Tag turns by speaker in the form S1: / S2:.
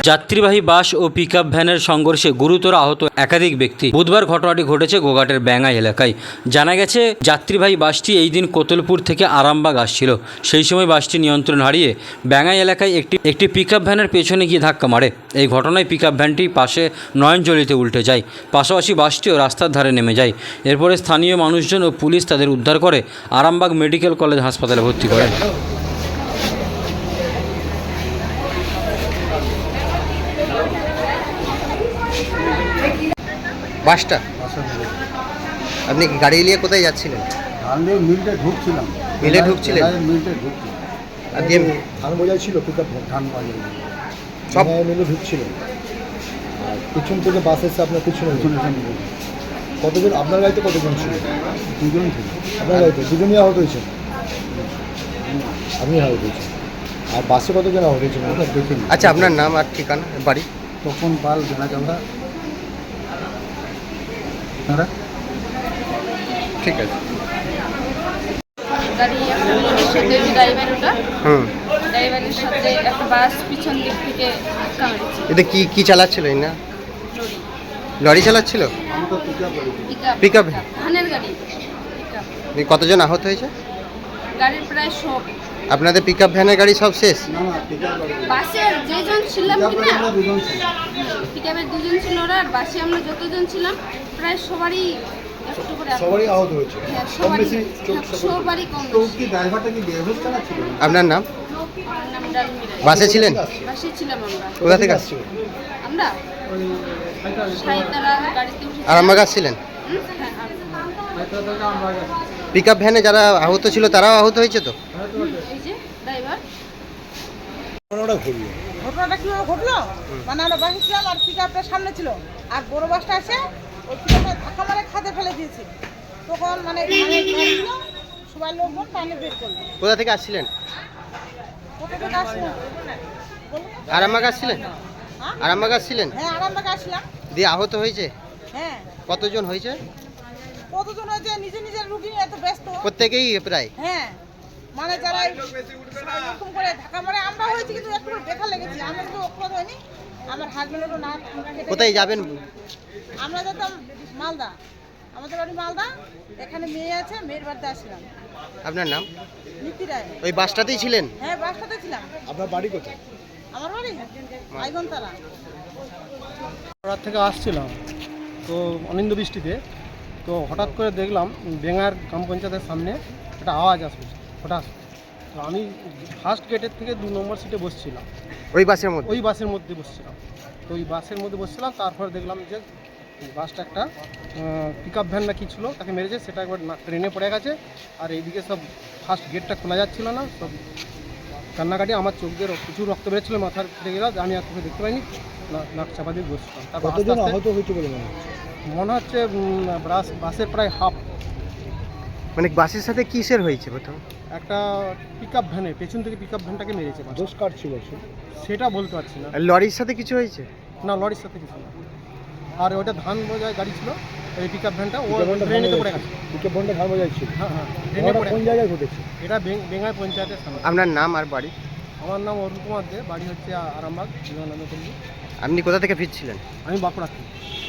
S1: যাত্রীবাহী বাস ও পিকআপ ভ্যানের সংঘর্ষে গুরুতর আহত একাধিক ব্যক্তি। বুধবার ঘটনাটি ঘটেছে গোঘাটের ব্যাঙ্গাই এলাকায়। জানা গেছে, যাত্রীবাহী বাসটি এই দিন কোতলপুর থেকে আরামবাগ আসছিল। সেই সময় বাসটি নিয়ন্ত্রণ হারিয়ে ব্যাঙ্গাই এলাকায় একটি পিকআপ ভ্যানের পেছনে গিয়ে ধাক্কা মারে। এই ঘটনায় পিকআপ ভ্যানটি পাশে নয়নজলিতে উল্টে যায়। পাশাপাশি বাসটিও রাস্তার ধারে নেমে যায়। এরপরে স্থানীয় মানুষজন ও পুলিশ তাদের উদ্ধার করে আরামবাগ মেডিকেল কলেজ হাসপাতালে ভর্তি করেন।
S2: বাসটা আপনি কি গাড়ি নিয়ে কোথায় যাচ্ছিলেন?
S3: আমি মিলটে ঢুকছিলাম।
S2: মিলে ঢুকছিলেন?
S3: মিলটে ঢুকছিলাম।
S2: আর দিয়ে
S3: ধান বোঝাই ছিল, পিকআপ ধান বাজাই
S2: সব
S3: মিলে ঢুকছিল। আর পিছন থেকে বাস এসে আপনার পিছনে কতজন? আপনার গাড়িতে কতজন ছিল? দুজন ছিল। আপনার গাড়িতে দুজনই আহত হয়েছে? আমি আহত হয়েছি। আর বাসে কতজন আহত হয়েছে ওটা দেখিনি।
S2: আচ্ছা, আপনার নাম আর ঠিকানা, বাড়ি?
S3: তখন পাল জানা চালদা।
S2: ঠিক আছে।
S4: গাড়ি একটা লোডের সাথে ড্রাইভার, ওটা ড্রাইভারের সাথে একটা বাস পিছন দিক থেকে ধাক্কা মেরেছে।
S2: এটা কি চালাচ্ছিল? না লরি চালাচ্ছিল?
S4: Pickup
S2: pickup.
S4: ধানের গাড়ি পিকআপ।
S2: কতজন আহত হয়েছে?
S4: গাড়ির প্রায় সব।
S2: আপনাদের পিকআপ ভ্যানের গাড়ি সব শেষ?
S4: বাসের যেজন ছিলাম কিনা, পিকআপের দুজন ছিল ওরা, আর বাসে আমরা যতজন ছিলাম প্রায় সবারই একটু করে
S3: সবারই আহত হয়েছে।
S4: হ্যাঁ, সবারই কম বেশি।
S3: ড্রাইভারটা কি বেহুশ চালাচ্ছিল?
S2: আপনার নাম?
S4: আমার নাম ডালমিরা।
S2: বাসে ছিলেন?
S4: বাসে ছিলাম আমরা।
S2: কোথা থেকে আসছিল?
S4: আমরা সাইতারা গাড়িতে উঠে
S2: আরামবাগ আসছিলেন? পিকআপ ভ্যানে যারা আহত ছিল তারাও আহত হয়েছে তো?
S4: এই যে ড্রাইভার।
S5: ঘটনাটা কিভাবে ঘটলো, মানে আমরা বাসে ছিলাম আর পিকআপটা সামনে ছিল, আর বড় বাসটা এসে ওই পিকআপে ধাক্কা মারে খাদে ফেলে দিয়েছে। তখন মানে সবাই লোকজন টানে বের করলো।
S2: কোথা থেকে আসছিলেন?
S5: কোথা থেকে আসছিলাম?
S2: আরামবাগ আসছিলেন?
S5: হ্যাঁ?
S2: আরামবাগ আসছিলেন?
S5: হ্যাঁ, আরামবাগে আসলাম।
S2: দিয়ে আহত হয়েছে?
S5: হ্যাঁ।
S2: কতজন হয়েছে?
S5: কতজন হয়েছে? নিজের রুগী এত ব্যস্ত।
S2: প্রত্যেকেই প্রায়?
S5: হ্যাঁ, মানে যারা এরকম করে ধাক্কা মারে আমরা হয়েছি, কিন্তু একটু দেখা লেগেছি। আমরা কিন্তু অপরাধ হয়নি। আমার হাজবেন্ডেরও না।
S2: কোথায় যাবেন?
S5: আমরা যেতাম মালদা, আমাদের বাড়ি মালদা। এখানে মেয়ে আছে, মেয়ের বাড়িতে আসলাম।
S2: আপনার নাম?
S5: নীতি রায়।
S2: ওই বাসটাতেই ছিলেন?
S5: হ্যাঁ, বাসটাতে ছিলাম।
S3: আপনার বাড়ি কোথায়?
S5: আমার বাড়ি আইগনতলা।
S6: রাত থেকে আসছিলাম তো অনিন্দ বৃষ্টিতে, তো হঠাৎ করে দেখলাম বেঙ্গার গ্রাম পঞ্চায়েতের সামনে একটা আওয়াজ আসবে হঠাৎ। তো আমি ফার্স্ট গেটের থেকে 2 নম্বর সিটে বসছিলাম।
S2: ওই বাসের মধ্যে?
S6: ওই বাসের মধ্যে বসছিলাম। তো ওই বাসের মধ্যে বসছিলাম, তারপর দেখলাম যে বাসটা একটা পিকআপ ভ্যান না কি ছিল তাকে মেরেছে, সেটা একবার ট্রেনে পড়ে গেছে। আর এইদিকে সব ফার্স্ট গেটটা খোলা যাচ্ছিল না, সব কান্নাকাটি। আমার চোখ দিয়ে প্রচুর রক্ত বেরোচ্ছিল, মাথার ফেটে গেল। আমি আর চোখে দেখতে পাইনি, নাক চাপা দিয়ে বসছিলাম। তারপর
S3: কতজন আহত হয়েছে বলে মনে হচ্ছে?
S6: মনে হচ্ছে বাসের প্রায় হাফ।
S2: মানে বাসের সাথে কিসের হয়েছে প্রথম?
S6: একটা পিকআপ ভ্যানে পেছন থেকে পিকআপ ভ্যানটাকে মেরেছে।
S3: দোষ কার ছিল?
S6: সেটা বলতে পারছি না।
S2: আর লরির সাথে কিছু হয়েছে?
S6: না, লরির সাথে কিছু না। আর ওটা ধান বোঝায় গাড়ি ছিল, ওই পিকআপ ভ্যানটা ও ট্রেনেতে পড়ে গেছে।
S3: পিকআপ ভ্যানটা ধান বোঝাই ছিল?
S6: হ্যাঁ হ্যাঁ, ট্রেনে পড়ে।
S3: কোন জায়গায় ঘটেছে?
S6: এটা বেঙ্গাই পঞ্চায়েতের সামনে।
S2: আপনার নাম আর বাড়ি?
S6: আমার নাম অরুণ কুমার দে, বাড়ি হচ্ছে আরামবাগ, বিবেকানন্দ পল্লী।
S2: আপনি কোথা থেকে ফিরছিলেন?
S6: আমি বাঁকুড়া থেকে।